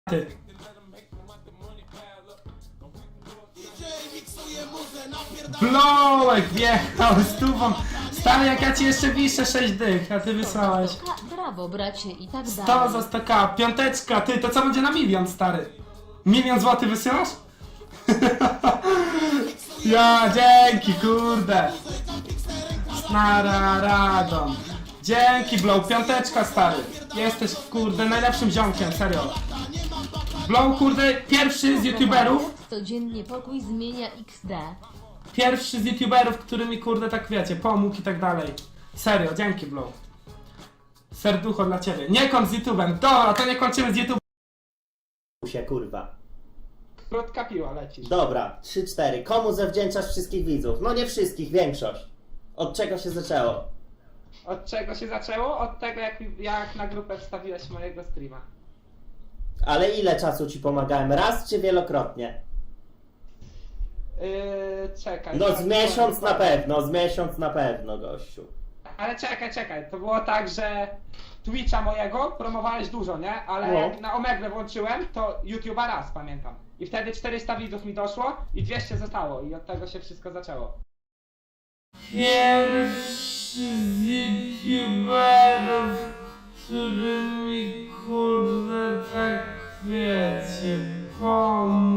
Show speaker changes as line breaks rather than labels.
Ty. Blowek wjechał z tubą. Stary, jak ja ci jeszcze wiszę 6 dych, a ty wysłałeś.
Brawo, bracie, i tak
100
dalej.
za 100k, piąteczka, ty, to co będzie na milion, stary? 1 000 000 złotych wysyłasz? Ja, dzięki, kurde. Snara radom. Dzięki, Blow, piąteczka, stary. Jesteś, kurde, najlepszym ziomkiem, serio. Blow, kurde, pierwszy z youtuberów.
Codziennie pokój zmienia XD.
Pierwszy z youtuberów, który mi, kurde, tak wiecie, pomógł i tak dalej. Serio, dzięki, Blow. Serducho dla ciebie. Nie kończ z YouTube'em. Dobra, to nie kończymy z YouTube'em.
się, kurwa.
Krótka piła lecisz.
Dobra, 3-4. Komu zawdzięczasz wszystkich widzów? No nie wszystkich, większość. Od czego się zaczęło?
Od czego się zaczęło? Od tego, jak na grupę wstawiłeś mojego streama.
Ale ile czasu ci pomagałem? Raz czy wielokrotnie?
Czekaj.
No z miesiąc na pewno, z miesiąc na pewno, gościu.
Ale czekaj. To było tak, że Twitcha mojego promowałeś dużo, nie? Ale
No.
jak na Omegle włączyłem, to YouTube'a raz, pamiętam. I wtedy 400 widzów mi doszło i 200 zostało. I od tego się wszystko zaczęło. Pierwszy z YouTuberów, który mi, kurde, tak wiecie, pomógł.